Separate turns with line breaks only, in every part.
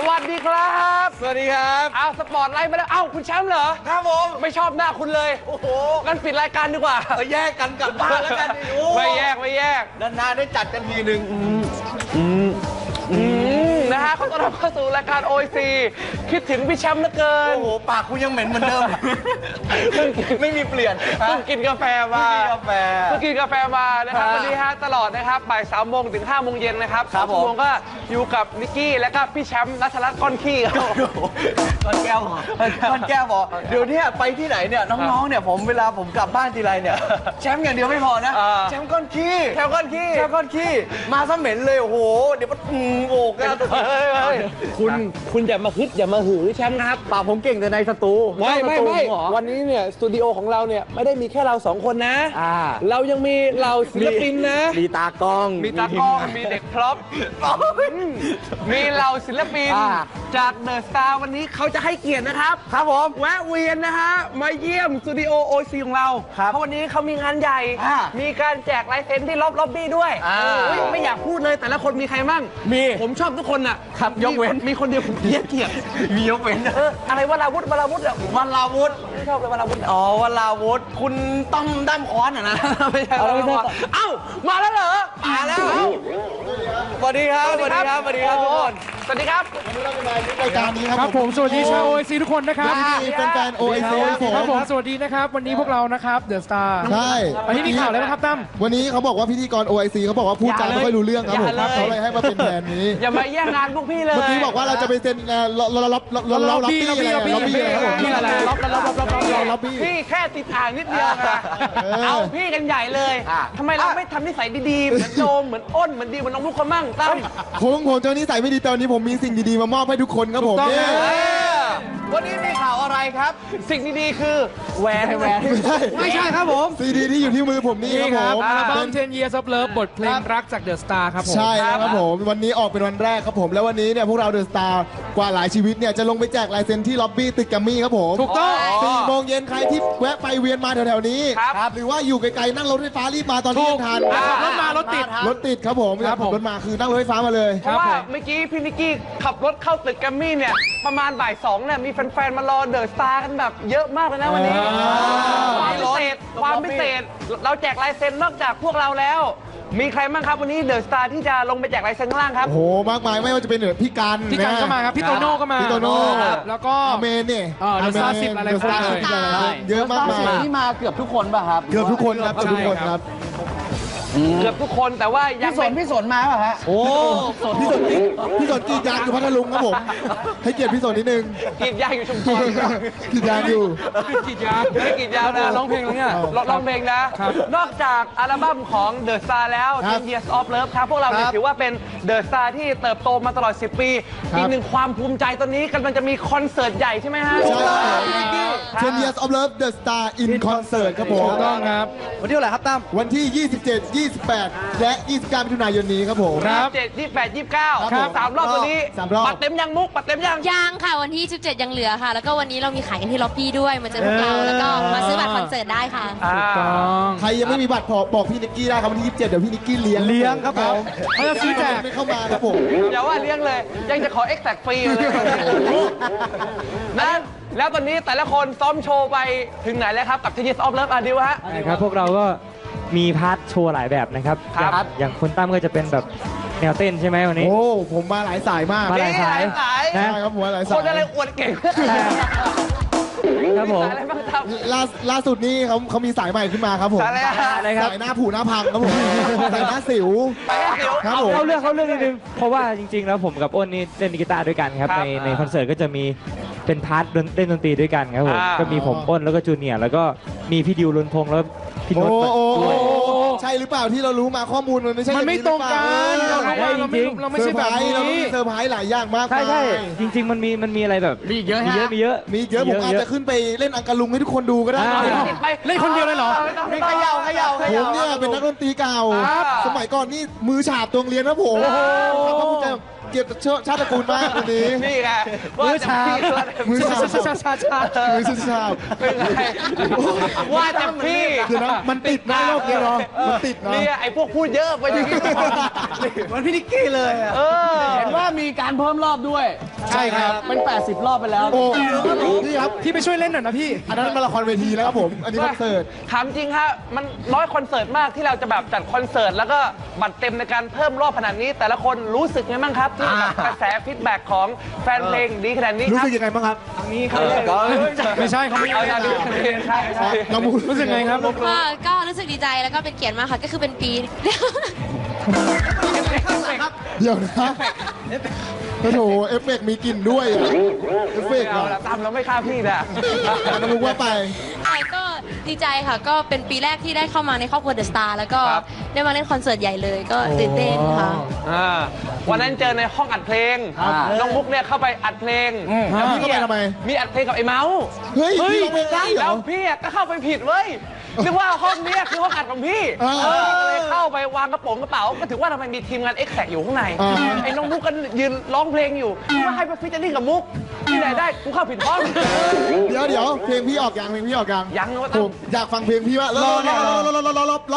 วัสดีครับ
สวัสดีครับ
เอาสปอร์ตไลท์มาแล้วเอ้าคุณแชมป์เหรอ
ครับผม
ไม่ชอบหน้าคุณเลย
โอ้โห
งั้นปิดรายการดีกว่า
แยกกันกลับบ้านแล้วกัน
ไม่แยก
นานๆได้จัดกันทีหนึ่ง
นะฮะเขาต้อนรับเข้าสู่รายการ OIC คิดถึงพี่แชมป์เหลือเกิน
โอ้โหปากคุณยังเหม็นเหมือนเดิมไม่มีเปลี่ยน
เพิ่งกินกาแฟมาเพิ่งกินกาแฟมานะครับวันนี้ฮะตลอดนะครับบ่าย3 โมงถึง5 โมงเย็นนะครับ2 ชั่วโมงก็อยู่กับนิกกี้และก็พี่แชมป์นัทรัตน์ก้อนขี้ครับ
ก้อนแก้วบอกเดี๋ยวนี้ไปที่ไหนเนี่ยน้องๆเนี่ยเวลาผมกลับบ้านทีไรเนี่ยแชมป์อย่างเดียวไม่พอนะแชมป์ก้อนขี้มาซะเหม็นเลยโอ้โหเดี๋ยวมันโอ้กัน
คุณอย่ามาฮึดอย่ามาหือแชมป์ครับ
ปากผมเก่งแต่ในสตู
ไม่วันนี้เนี่ยสตูดิโอของเราเนี่ยไม่ได้มีแค่เรา2 คนนะเรายังมีเราศิลปินนะ
มีตากล้อง
มีเด็กพร็อพมีเราศิลปินจากเดอะสตาร์วันนี้เขาจะให้เกียรตินะครับผมแวะเวียนนะฮะมาเยี่ยมสตูดิโอ OIC ของเราเพราะวันนี้เขามีงานใหญ่มีการแจกลายเซ็นที่ล็อบบี้ด้วยไม่อยากพูดเลยแต่ละคนมีใครมั่งผมชอบทุกคนน่ะ
ยกเว้น
มีคนเดียวผมเกลียด
มียกเว้น
อะไรวราวุธอะ
วราวุธ
ไม่ชอบเลยวราวุธ
อ๋อวราวุธคุณต้อมด้ามค้อนนะ
ไม่ใช่เอ้ามาแล้วเหรอ
มาแล้วสวัสดีครับทุกคน
สวัสดีครับ
รายการนี้ครับ
ผมสวัสดีชาว OIC ทุกคนนะครับ
แฟนๆ OIC
ครับผมสวัสดีนะครับวันนี้พวกเรานะครับเดอะสตาร์
ใช่
วันนี้มีข่าวอะไรบ้างครับตั้ม
วันนี้เขาบอกว่าพิธีกร OIC เขาบอกว่าพูดจาไม่ค่อยรู้เรื่องครับผมเขาเลยให้มาเป็นแทนนี้
อย่ามาแย่งงานพวกพี่เลย
เมื่อกี้บอกว่าเราจะไปเซ็นล็อบบี้
พี่แค่ติดอ่างนิดเดียวนะเอาพี่กันใหญ่เลยทำไมเราไม่ทำนิสัยดีๆเหมือนโจมเหมือนอ้นเหมือนดีเหมือนน้องลูกคนมั่งตั้ม
ผมเจ้านิสัยไม่ดีตอนนี้ผมมีสิ่งดีๆมามอบให้ทุกคนครับผม
วันนี้มีข่าวอะไรครับ
สิ่งดีๆคือแหวน
ไม่ใช่ครับผม
ซีดีที่อยู่ที่มือผมนี่ครับผม
อัลบั้ม10 Years of Love บทเพลงรักจากเดอะสตาร์ครับผม
ใช่ครับผมวันนี้ออกเป็นวันแรกครับผมแล้ววันนี้เนี่ยพวกเราเดอะสตาร์กว่าหลายชีวิตเนี่ยจะลงไปแจกลายเซ็นที่ล็อบบี้ตึกแกรมมี่ครับผม
ถูกต้อง
4 โมงเย็นใครที่แวะไปเวียนมาแถวๆนี้หรือว่าอยู่ไกลๆนั่งรถไฟฟ้ารีบมาตอนนี้ทัน
รถมารถติด
ครับผมรถมาคือนั่งรถไฟฟ้ามาเลย
เพราะว่าเมื่อกี้พี่นิกกี้ขับรถเข้าตึกแกรมมี่เนี่ยประมาณบ่าย 2เนี่ยมีแฟนๆมารอเดอะสตาร์กันแบบเยอะมากเลยนะวันนี้ความพิเศษเราแจกลายเซ็นนอกจากพวกเราแล้วมีใครบ้างครับวันนี้เดอะสตาร์ที่จะลงไปแจกลายเซ็นข้างล่างครับ
โอ้โหมากมายไม่ว่าจะเป็นพี่กัน
ก็มาครับพี่โตโน่ก็มา
พี่โตโน่
แล้วก็
เมนเนี่ย
เดอะสตาร์10อะไรคนเลย
เยอะมากมาย
ที่มาเกือบทุกคนป่ะครับ
เกือบทุกคนครับ
เกือบทุกคนแต่ว่ายัง
พี่สนมาป่ะฮะ
โอ้พี่สนกีดยางอยู่พัทลุงครับผมให้เกียรติพี่สนนิดนึง
กีดยางอยู่ชุมพร
กีดยางอยู่
กีดยางไม่กีดยางนะ
ร้องเพลงแล้วเนี่ย
ร้องเพลงนะนอกจากอัลบั้มของ The Star แล้ว 10 Years of Love ครับพวกเราเนี่ยถือว่าเป็น The Star ที่เติบโตมาตลอด10 ปีอีกหนึ่งความภูมิใจตอนนี้กำลังจะมีคอนเสิร์ตใหญ่ใช่ไหมฮะ
10 Years of Love The Star in Concert ครับผม
ถูกต้องครับ
วันที่เท่าไหร่ครับตั้ม
วันที่27 28และ29 มิถุนายนนี้ครับผม
27 28 29 3 รอบตัวนี้ปัดเต็มยังมุกปัดเต็ม
ยังค่ะวันที่17ยังเหลือค่ะแล้วก็วันนี้เรามีขายกันที่ล็อบบี้ด้วยมาเจอพวกเราแล้วก็มาซื้อบัตรคอนเสิร์ตได้ค่ะ
ถูกต้อง
ใครยังไม่มีบัตรบอกพี่นิกกี้ได้ครับวันที่27เดี๋ยวพี่นิกกี้เลี้ยงครับผม
เขาจะซื้อแจก
ไม่เข้ามาครับผม
อย่าว่าเลี้ยงเลยยังจะขอ Exact ฟรีเลยนะแล้วตอนนี้แต่ละคนซ้อมโชว์ไปถึงไหนแล้วครับกับ 10 Years of Love ดิวฮะ
ครับพวกเราก็มีพาร์ทโชว์หลายแบบนะครับอย่างคุณตั้มก็จะเป็นแบบแนวเต้นใช่ไหมวันนี้
โอ้ผมมาหลายสายมาก
มาหลายสาย
ใช่ครับผมหลายสาย
คนอะไรอวดเก่ง
ครับผม
ล่าสุดนี้เขามีสายใหม่ขึ้นมาครับผม
อะไรครับ
สายหน้าผูหน้าพังครับผมสายหน้าสิว
ครับผมเขาเรื่องนิดนึงเพราะว่าจริงๆแล้วผมกับอ้นนี่เล่นกีตาร์ด้วยกันครับในคอนเสิร์ตก็จะมีเป็นพาร์ทเล่นดนตรีด้วยกันครับผมก็มีผมอ้นแล้วก็จูเนียร์แล้วก็มีพี่ดิวลุนพงษ์แล้วพี่นนท์ด้วย
ใช่หรือเปล่าที่เรารู้มาข้อมูลมันไม่ใช่
มันไม่ตรงกันเราไม่ใช่แบบนี้
เรามีเซอร์ไพรส์หลายอย่างมาก
ใช่จริงๆมันมีอะไรแบบ
มีเยอะ
ผมอาจจะขึ้นไปเล่นอังกะลุงให้ทุกคนดูก็ได้
เล่นคนเดียวเลยเหรอ
มีขย่า
ผมเนี่ยเป็นนักดนตรีเก่าสมัยก่อนนี่มือฉาบตัวเรียนนะผมครับผมจะเกียรติชาติตระกูลมากวันนี้
นี่ไง
มือฉาบ
ว่าแต่พี่
คือนะมันติดนะโลกนี้เนาะมันติดนะ
นี่ไอ้พวกพูดเยอะไปอย่างนี้
เหมือนพี่นิกกี้เลยเห็นว่ามีกการเพิ่มรอบด้วย
ใช่ครับ
เป็น 80 รอบไปแล้ว
โอ้พี่ครับ
พี่ไปช่วยเล่นหน่อยนะพี่
อันนั้นมาละครเวทีแล้วครับผม อันนี้คอนเสิร์ต
ถามจริงฮะมันน้อยคอนเสิร์ตมากที่เราจะแบบจัดคอนเสิร์ตแล้วก็บัตรเต็มในการเพิ่มรอบขนาดนี้ แต่ละคนรู้สึกไงบ้างครับที่กับกระแสฟีดแบ็กของแฟนเพลงดีขนาดนี้
รู้
ครับ
สึกยังไงบ้างครับ
ไม่ใช่เขาไม่
เอาอย่างนี้ใช่ใช่
น้องมู
รู้สึกไงครับ
ก็รู้สึกดีใจแล้วก็เป็นเกียรติมากค่ะ ก็คือเป็นปี
เดี๋ยวนะโอ้โหเอฟเฟกต์มีกลิ่นด้วยอะเอฟเฟกต์
เอา
อะ
ละตามเราไม่ฆ่าพี่นะ
น้องมุกว่าไป
ก็ดีใจค่ะ ก็เป็นปีแรกที่ได้เข้ามาในครอบครัวเดอะสตาร์แล้วก็ได้มาเล่นคอนเสิร์ตใหญ่เลย ก็ตื่นเต้นค่ะ
วันนั้นเจอในห้องอัดเพลง น้องมุกเนี่ยเข้าไปอัดเพลง
แล้วพี่เข้าไปทำไม
มีอัดเพลงกับไอ้เมาส์
เฮ้ยพี่ร้องเพลงได้เหร
แล้
อ
วพี่อะก็เข้าไปผิดเว้ยนึกว่าห้องเนี้ยคือห้องอัดของพี่
อ่า
ก็เลยเข้าไปวางกระเป๋าก็ถือว่าทำไมมีทีมงาน Exact อยู่ข้างใน
อ่า
ไอ้น้องมุกก็ยืนร้องเพลงอยู่คิดว่าให้ไปฟิชเจอริ่งกับมุกที่ไหนได้กูเข้าผิดห้อง
เดี๋ยวเพลงพี่ออกยังเพลงพี่ออกยัง
ยังว่า
ผมอยากฟังเพลงพี่ว่ารอรับ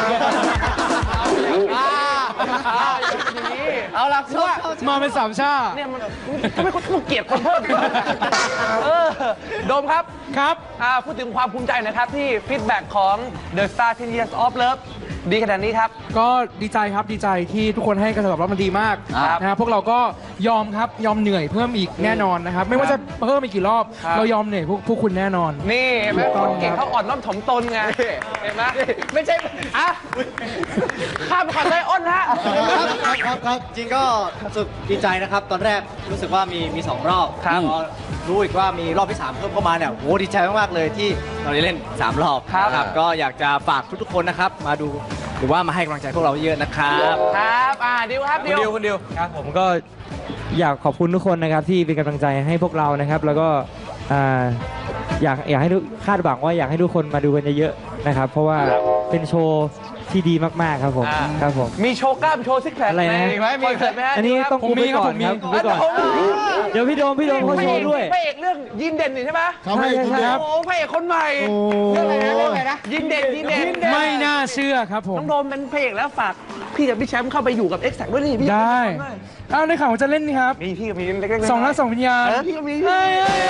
อย่างนี้เอาล่ะคือว่า
มาเป็นสามชา
เนี่ยมันทำไมคุณต้องเกลียดคนเพิ่มโดมครับ
ครับ
พูดถึงความภูมิใจหนะครับที่ฟีดแบ็กของ The Star 10 Years of Love ดีขนาดนี้ครับ
ก็ดีใจครับดีใจที่ทุกคนให้การตอบรับมันดีมาก
ครับ
นะครับพวกเราก็ยอมครับยอมเหนื่อยเพิ่มอีกแน่นอนนะครับ ไม่ว่าจะเพิ่มอีกกี่รอบ
ครับ
เรายอมเหนื่อยพวกคุณแน่นอน
นี่เห็นไหมคนเก่งเขาอ่อนน้อมถ่อมตนไง เห็นไหมไม่ใช่อ่ะข้ามไปก่อนเลยอ้นฮะ
ครับ
จริงก็รู้สึกดีใจนะครับ ตอนแรกรู้สึกว่ามี2 รอบ
ครับ
พอรู้อีกว่ามีรอบที่ 3 เพิ่มเข้ามาเนี่ยโหดีใจมากๆเลยที่เราได้เล่น 3 รอบ
ครับ
นะก็อยากจะฝากทุกๆคนนะครับ มาดูหรือว่ามาให้กำลังใจพวกเราเยอะนะครับ
ครับดิวครับดิว
คุณดิว
ครับผมก็อยากขอบคุณทุกคนนะครับที่เป็นกำลังใจให้พวกเรานะครับ แล้วก็อ่าอยากให้ทุกคาดหวังว่าอยากให้ทุกคนมาดูกันเยอะๆนะครับ เพราะว่าเป็นโชว์ที่ดีมากๆครับผม
อ่า
ครับผม
มีโชว์กล้ามโชว์ซิกแพค
อะไรนะ
ไหมมีเกิดไหมฮะ
อันนี้ต้อง
ผม
กู
มี
ไปก่อน
ครับ
ครับกูไปก่อน เดี๋ยวพี่โดมเขาโชว์ด้วย
พระเอกเรื่องยินเด่นนี่ใช่ไหม
เขาให้กินเดียว
โอ้พระเอกคนใหม่
โอ้
เรื่องอะไรนะยินเด่น
ไม่น่าเชื่อครับผม
น้องโดมเป็นพระเอกแล้วฝากพี่กับพี่แชมป์เข้าไปอยู่กับ Exact ด้วยนี่พี่
ได้เอาในข่าวว่าจะเล่นนี่ครับ
มีพี่กับมีเล็กๆ
2 รัก 2 วิญญาณ
พี่ก็มีพี่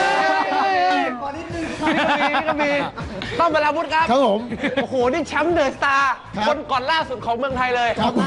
ก็มีต้องมาลาวุธครับ
ครับผม
โอ้โห นี่แชมป์เดอะสตาร์
ครับ
คนก่อนล่าสุดของเมืองไทยเลย
ครับ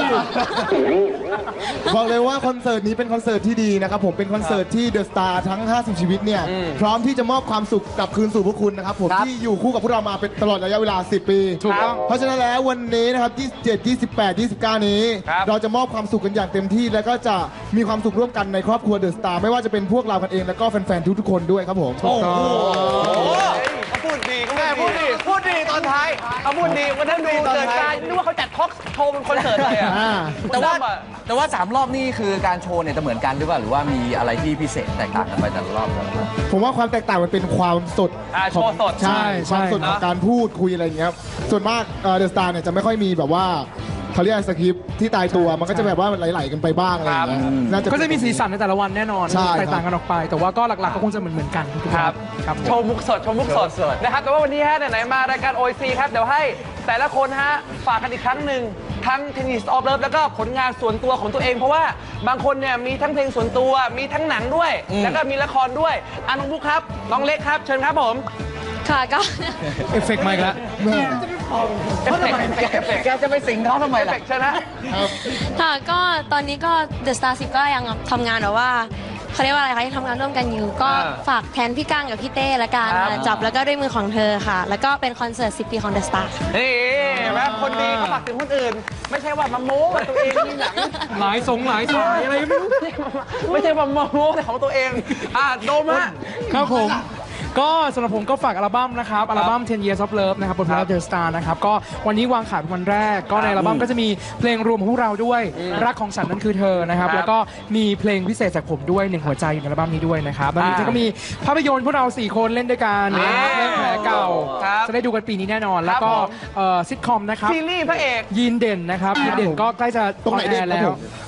บอกเลยว่าคอนเสิร์ตนี้เป็นคอนเสิร์ตที่ดีนะครับผมเป็นคอนเสิร์ตที่เดอะสตาร์ทั้ง 50 ชีวิตเนี่ยพร้อมที่จะมอบความสุขกลับคืนสู่พวกคุณนะครับผมที่อยู่คู่กับพวกเรามาเป็นตลอดระยะเวลา 10 ปี
ถูกต้อง
เพราะฉะนั้นแล้ววันนี้นะครับ 27 28 29 นี้
ครับ
เราจะมอบความสุขกันอย่างเต็มที่แล้วก็จะมีความสุขร่วมกันในครอบครัวเดอะสตาร์ไม่ว่าจะเป็นพวกเรากันเองแล้วก็แฟนๆทุกๆคนด้วยครับผมถูกต้อง
เขาพูดดีพูดดีตอนท้ายเขาพูดดีวันนั้นดูเดอะสตาร์นึกว่าเขาจัดทอล์กโชว์เป็นคอนเสิร์ตเลยอะ
อ่า
แต่ว่า 3 รอบนี่คือการโชว์เนี่ยจะเหมือนกันหรือเปล่าหรือว่ามีอะไรที่พิเศษแตกต่างกันไปแต่ละรอบ
ผมว่าความแตกต่างมันเป็นความสด
โชว์สด
ใช่
ใช่
ความสดของการพูดคุยอะไรอย่างเงี้ยครับส่วนมากเดอะสตาร์เนี่ยจะไม่ค่อยมีแบบว่าเขาเรียกสคริปต์ที่ตายตัวมันก็จะแบบว่าไหลๆกันไปบ้างอะไรอย่างเงี้ยน่า
ก็จะมีสีสันในแต่ละวันแน่นอน
ใช่ครับ
แตกต่างกันออกไป แต่ว่าก็หลักๆก็คงจะเหมือนกันทุกๆ
ครับ
ครับผม
โชว์มุกสดนะครับแต่ว่าวันนี้ฮะไหนๆมารายการ OIC ครับเดี๋ยวให้แต่ละคนฮะฝากกันอีกครั้งหนึ่งทั้ง Tennis of Love แล้วก็ผลงานส่วนตัวของตัวเอง เพราะว่าบางคนเนี่ยมีทั้งเพลงส่วนตัวมีทั้งหนังด้วย แล้วก็มีละครด้วยน้องมุกครับน้องเล็กครับเชิญครับผม
ค่ะก็
เอฟเฟกต์มาอีกแล้ว
เอฟเฟกต์
แกจะไปสิงเขาทำไม
เอฟ
ล่ะ
เฟกต์เชิญนะ
ค่ะก็ตอนนี้ก็ The Star 10 ก็ยังทำงานแบบว่าเขาเรียกว่าอะไรคะยังทำงานร่วมกันอยู่ ก็ฝากแทนพี่ก้างกับพี่เต้ละกันจับแล้วก็ด้วยมือของเธอค่ะ แล้วก็เป็นคอนเสิร์ต 10 ปีของ The Star
นี่แม่คนดีเขาฝากถึงคนอื่น ไม่ใช่ว่ามาโม้ว่าตัวเองมีหนัง
หลายสายอะไรไม่รู้
ไม่ใช่ว่ามาโม้แต่ของตัวเองโดมฮะ
ครับผม ก็สำหรับผมก็ฝากอัลบั้มนะครับ อัลบั้ม 10 Years of Love นะครับบนพลาดเดอะสตาร์นะครับ ก็วันนี้วางขายเป็นวันแรก ก็ในอัลบั้มก็จะมีเพลงรวมของพวกเราด้วย รักของฉันนั้นคือเธอนะครับ แล้วก็มีเพลงพิเศษจากผมด้วยหนึ่งหัวใจอยู่ในอัลบั้มนี้ด้วยนะครับแล้วนี้ก็มีภาพยนตร์พวกเรา 4 คนเล่นด้วยกันนะครับเล่นแผลเก่า
ครับ
จะได้ดูกันปีนี้แน่นอน แล้วก็
ครับผม
ซิทคอมนะครับ
ซีรีส์พระเอก
ยีนเด่นนะครับยีนเด่นก็ใกล้จะ
ตรงไหน
ออ
เด่
แอน ร์
ครั
แล้
บ
ว
ผม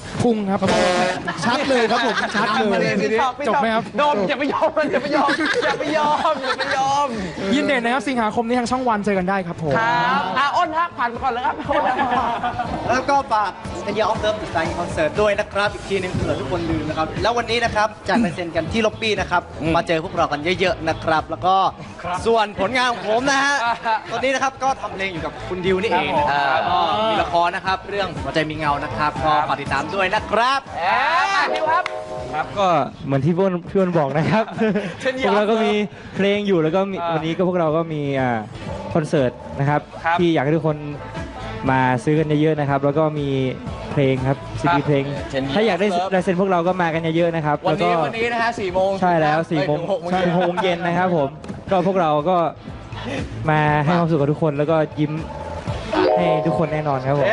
พุงครับ
ชัดเลยครับผมชัดเลย
จบไหมครับ
โดมอย่าไปยอมมันอย่าไปยอมอย่าไปยอมอย่าไปยอม
ยินเด่นนะครับสิงหาคมนี้ทางช่องวันเจอกันได้ครับผม
ครับอ้นฮะผ่านไปก่อนเลยครับอ้นฮะ
แล้วก็ฝากเป็นยาออฟเดิร์ฟสไตล์คอนเสิร์ตด้วยนะครับอีกทีหนึงเผื่อทุกคนลืมนะครับแล้ววันนี้นะครับจากลายเซ็นกันที่ล็อบบี้นะครับมาเจอพวกเรากันเยอะๆนะครับแล้วก็ส่วนผลงานของผมนะฮะตอนนี้นะครับก็ทำเพลงอยู่กับคุณดิวนี่เองนะครับก็มีละครนะครับเรื่องหัวใจมีเงานะครับก็ฝากติดตามด้วยนะครับ
ดิวครับ
ครับก็เหมือนที่พี่อ้นบอกนะครับ
เช่นเดี
พ
ยว
วกเราก็มีเพลงอยู่แล้วก็มี
อ่า
วันนี้ก็พวกเราก็มีคอนเสิร์ตนะครับ
ครับ
ที่อยากให้ทุกคนมาซื้อกันเยอะๆนะครับ แล้วก็มีเพลงครับซีดีเพลง ถ้าอยากได้ลายเซ็นพวกเราก็มากันเยอะๆนะครับ
วัน
แล้วก็
นี้นะฮะ4 โมง
ใช่แล้ว4 โมง
6 โมง
ใช่6 โมงเย็นนะครับผมก็พวกเราก็มาให้ความสุขกับทุกคนแล้วก็ยิ้มให้ทุกคนแน่นอนครับผม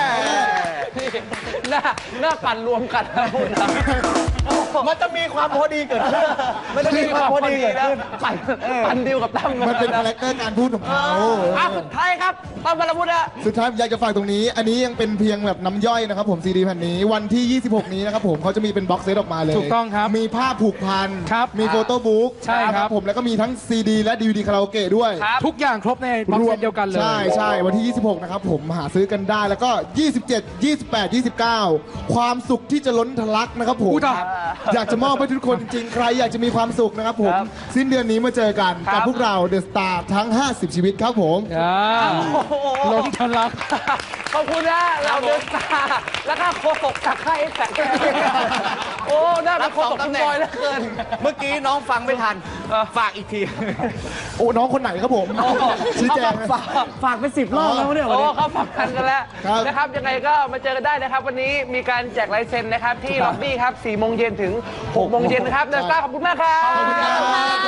หน้าปั่นรวมกันนะพูดนะ
มันจะมีความพอดีเกิดขึ้นมันจะมีความพอดีเกิดขึ้น
ปั่นดิวกับตั้ม
มันเป็นคาแรคเตอร์การพูดของเขา
สุดท้ายครับตั้มบรรพุทธะ
สุดท้ายอยากจะฝากตรงนี้ อันนี้ยังเป็นเพียงแบบน้ำย่อยนะครับผมซีดีแผ่นนี้วันที่ 26 นี้นะครับผมเขาจะมีเป็นบ็อกเซตออกมาเลย
ถูกต้องครับ
มีภาพผูกพัน
ครับ
มีโฟโต้บุ๊ก
ใช่ครับ
ผมแล้วก็มีทั้งซีดีและดีวดีคาราโอเกะด้วย
ทุกอย่างครบในบ็อกเซตเดียวกันเลย
ใช่ใช่วันที่ 26 นะครับผมหาซื้อกันได้แล้วก็ 27 28 29 ความสุขที่จะล้นทะลักนะครับผม
อุ๊ยตาย
อยากจะมอบให้ทุกคนจริงๆ ใครอยากจะมีความสุขนะครับผม สิ้นเดือนนี้มาเจอกันกับพวกเราเดอะสตาร์ทั้ง 50 ชีวิตครับผม
ล้มทะลัก
ขอบคุณนะเราเดินตาแล้วก็โคศกจากค่ายเอ็กแซกโอ้ได้เป็นโคศกคุณบอยแล้วเกิน
เมื่อกี้น้องฟังไม่ทันฝากอีกที
โอ้น้องคนไหนครับผมชี้แจงนะ
ฝากไป10 รอบแล้วเนี่ยวัน
โอ้
นี้
เขาฝักกันแล้ว
ครับ
นะครับยังไงก็มาเจอกันได้นะครับ วันนี้มีการแจกลายเซ็นนะครับที่ล็อบบี้ครับ4 โมงเย็นถึง 6 โมงเย็นนะครับเดอะสตาร์ขอบคุณมากครับ
ขอบคุณครับ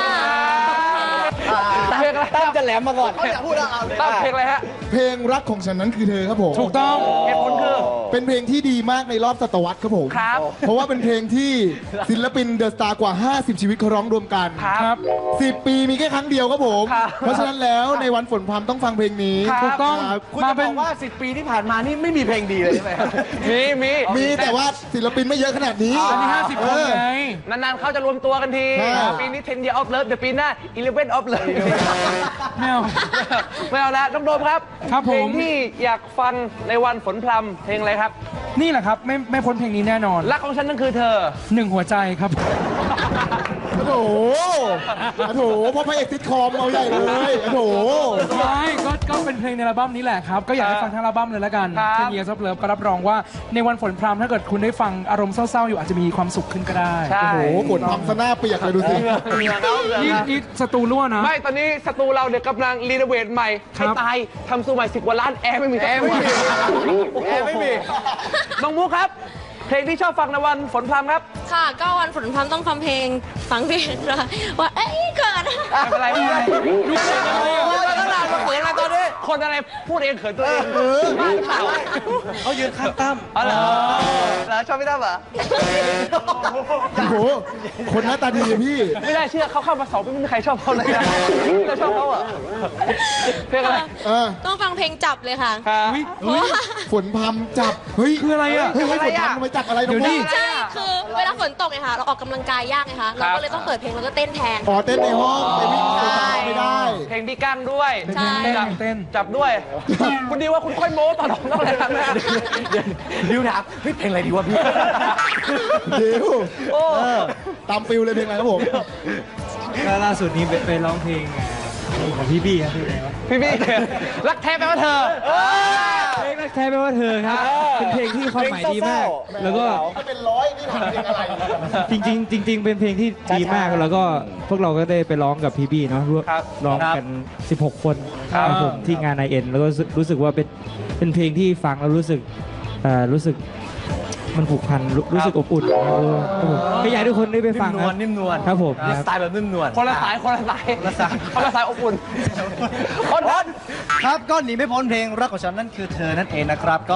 เพลงอะไร
ตั้มจะแหลมมาก่อนเขาอยากพูดแล้ว
ตั้งเพลงอะไรฮะ
เพลงรักของฉันนั้นคือเธอครับผม
ถูกต้อง
เหตุผลคือ
เป็นเพลงที่ดีมากในรอบศตวรรษครับผม
ครับ
เพราะว่าเป็นเพลงที่ศิลปินเดอะสตาร์กว่า 50 ชีวิตเขาร้องรวมกัน
ครับ
10 ปีมีแค่ครั้งเดียวครับผม
ครับ
เพราะฉะนั้นแล้วในวันฝนพรำต้องฟังเพลงนี้
ครับ
ถูกต้อง
ครับ
คุณจะบอกว่า 10 ปีที่ผ่านมานี่ไม่มีเพลงดีเลยใช่ไหม
มี
มีแต่ว่าศิลปินไม่เยอะขนาดนี้
อันนี้50 คนไง
นานๆเขาจะรวมตัวกันที
ครับ
ปีนี้10 year of love เดี๋ยวปีหน้า11 of love
ไม่เอา
ไม่เอาละน้องโดมครับ
ครับผม
เพลงที่อยากฟังในวันฝนพรำเพลงอะไรครับ
นี่แหละครับไม่พ้นเพลงนี้แน่นอน
รักของฉันนั่นคือเธอ
1 หัวใจครับ
โอ้โหโอ้โหเพราะพระเอกซิทคอมเอาใหญ่เลยโอ้โห
ไม่ก็เป็นเพลงในอัลบั้มนี้แหละครับ ก็อยากให้ฟังทั้งอัลบั้มเลยละกัน
ครับ
10 Years of Love ก็รับรองว่าในวันฝนพรำถ้าเกิดคุณได้ฟังอารมณ์เศร้าๆอยู่อาจจะมีความสุขขึ้นก็ได้
ใช่
โอ้โหฝนพรำซะหน้าเปียกเลยดูสิ
นี่สตูรั่วนะ
ไม่ตอนนี้สตูเราเนี่ยกำลังรีโนเวทใหม่
ครั
ให้
บ
ตายทำสูใหม่10 กว่าล้านแอร์ไม่มีแอร์ไม่มี
แอร์ไม่มี
น้องมุกครับ เพลงที่ชอบฟังในวันฝนพรำครับ
ค่ะ ก็วันฝนพรำต้องฟังเพลงนะคะว่าเอ้ยเกิด
ไม่เป็นไรไม่เป็นไรตั้งนานมาเขินอะไรตอนนี้คนอะไรพูดเองเขินตัวเองบ้าหรือเปล่า
เขายืนข้างตั้ม
อ๋อเหรอ
แล้วชอบพี่ตั้มเหรอ
โอ้โหคนหน้าตาดีอะพี่
ไม่ได้เชื่อเขาเข้ามา2 ปีไม่มีใครชอบเขาเลยนะเราชอบเขาเหรอเพลงอะไร
เออ
ต้องฟังเพลงจับเลยค่ะ
ครับ
เพราะว่า
ฝนพรำจับเฮ้ย
คืออะไรอ่ะ
เฮ้ยฝนพรำทำไมจับอะไรน้องมุก
ใช่ คือเวลาฝนตกไงค่ะ เราออกกำลังกายยากไงคะ เราก็เลยต้องเปิดเพลงแล้วก็เต้นแทน
อ๋อเต้นในห้องไปวิ่งไปตามไม่ได้
เพลงพี่กั้งด้วย
ใช่
เต้น
จับด้วย คุณดีว่าคุณค่อยโม้ตอนต้องอะไรนะ
ดิวถามเฮ้ยเพลงอะไรดีวะพี่
เดี๋ยว
โอ้
ตามฟิลเลยเพลงอะไรครับผม
ก็ล่าสุดนี้ไปร้องเพลงของพี่บี้ครับพี่อะไรวะ
พี่รักแท้แปลว่าเธอ
เพลงรักแท้แปลว่าเธอครับ เป็นเพลงที่ความหมายดีมาก แล้วก็
ถ้าเป็นร้อยนี่ทำเพลงอะไร
จริงๆเป็นเพลงที่ดีมากแล้วก็พวกเราก็ได้ไปร้องกับพี่บี้เนาะร่วม
ครับ
ร้องกัน 16 คน
ครับ
ครับผมที่งาน IN แล้วก็รู้สึกว่าเป็นเพลงที่ฟังแล้วรู้สึกมันผูกพันรู้สึกอบอุ่นครับผมก็อยากให้ทุกคนได้ไปฟังครับ
นิ่มนวล
ครับผม
สไตล์แบบนิ่มนวล
คนละสายคนละสายคนละสายอบอุ่นคน
ครับก็หนีไม่พ้นเพลงรักของฉันนั่นคือเธอนั่นเองนะครับ ก็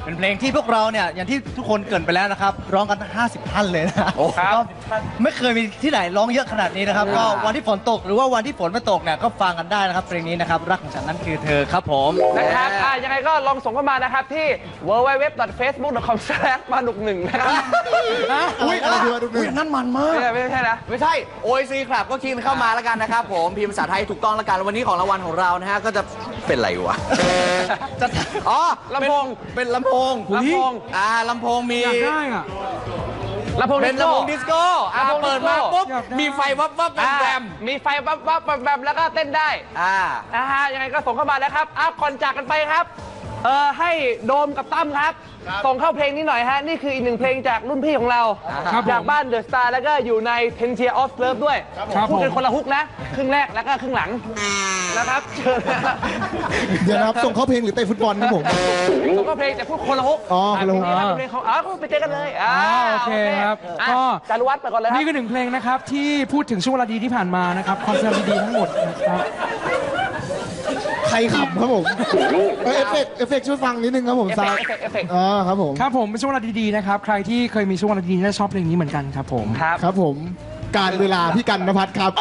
เป็นเพลงที่พวกเราเนี่ยอย่างที่ทุกคนเกริ่นไปแล้วนะครับร้องกันทั้ง50 ท่านเลยนะ
ครับ
ก็ไม่เคยมีที่ไหนร้องเยอะขนาดนี้นะครับก็วันที่ฝนตกหรือว่าวันที่ฝนไม่ตกเนี่ยก็ฟังกันได้นะครับเพลงนี้นะครับรักของฉันนั้นคือเธอครับผม
นะครับยังไงก็ลองส่งเข้ามานะครับที่ www.facebook.com/manuk1 นะครับ
อุ้ยอะไรดีวะดู
อุ้ยนั่นมันมาก
ไม่ใช่นะ
ไม่ใช่ OIC ครับก็คีย์เข้ามาแล้วกันนะครับผมพิมพ์ภาษาไทยถูกต้องแล้วกันวันนี้ของรางวัลของเรานะฮะก็จะเป็นอะไรวะจะอ๋อ
ลำโพง
เป็นลำโพง
ลำโพง
ลำโพงมี
อยากได้อ่ะ
ลำโพง
เป็นลำโพงดิสโก้
ลำโพงดิสโก้
เปิดมาปุ๊บ
อยากได้
มีไฟวับวับแวมแวม
มีไฟวับวับแวมแล้วก็เต้นได้ นะฮะยังไงก็ส่งเข้ามานะครับก่อนจากกันไปครับให้โดมกับตั้มครับ ส่งเข้าเพลงนี้หน่อยฮะ นี่คืออีกหนึ่งเพลงจากรุ่นพี่ของเรา
ครับผม
จากบ้านเดอะสตาร์แล้วก็อยู่ใน 10 Years of Love ด้วย
ครับ
พูดกัน
ผม
คนละฮุกนะ ครึ่งแรกแล้วก็ครึ่งหลังนะครับเชิญนะครับ
เดี๋ยวนะครับส่งเข้าเพลงหรือเตะฟุตบอลครับผม
ส่งเข้าเพลงแต่พูดคนละฮุก
อ๋อคนละฮุก
เพลงนี้ครับเพลงเขาก็ไปเจอกันเลย
โอเคครับ
อ่ะ
ก็
จารุวัฒน์ไปก่อนเลยครับ
นี่คือหนึ่งเพลงนะครับที่พูดถึงช่วงเวลาดีที่ผ่านมานะครับคอนเสิร์ตดีๆทั้งหมดนะครับ
ใครขำครับผมเอฟเฟกต์ช่วยฟังนิดนึงครับผม
เอฟ
ซา
เฟกต์เอฟเฟกต์
อ๋อครับผม
ครับผมเป็นช่วงเวลาดีๆนะครับใครที่เคยมีช่วงเวลาดีๆน่าจะชอบเพลงนี้เหมือนกันครับผม
ครับ
ครับผมการเวลาพี่กันนภัทรครับ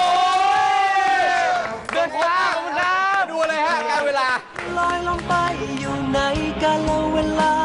เดินทางขอบคุณครับ
ดูเลยฮะการเวลา
ลอยลงไปอยู่ในกาลเวลา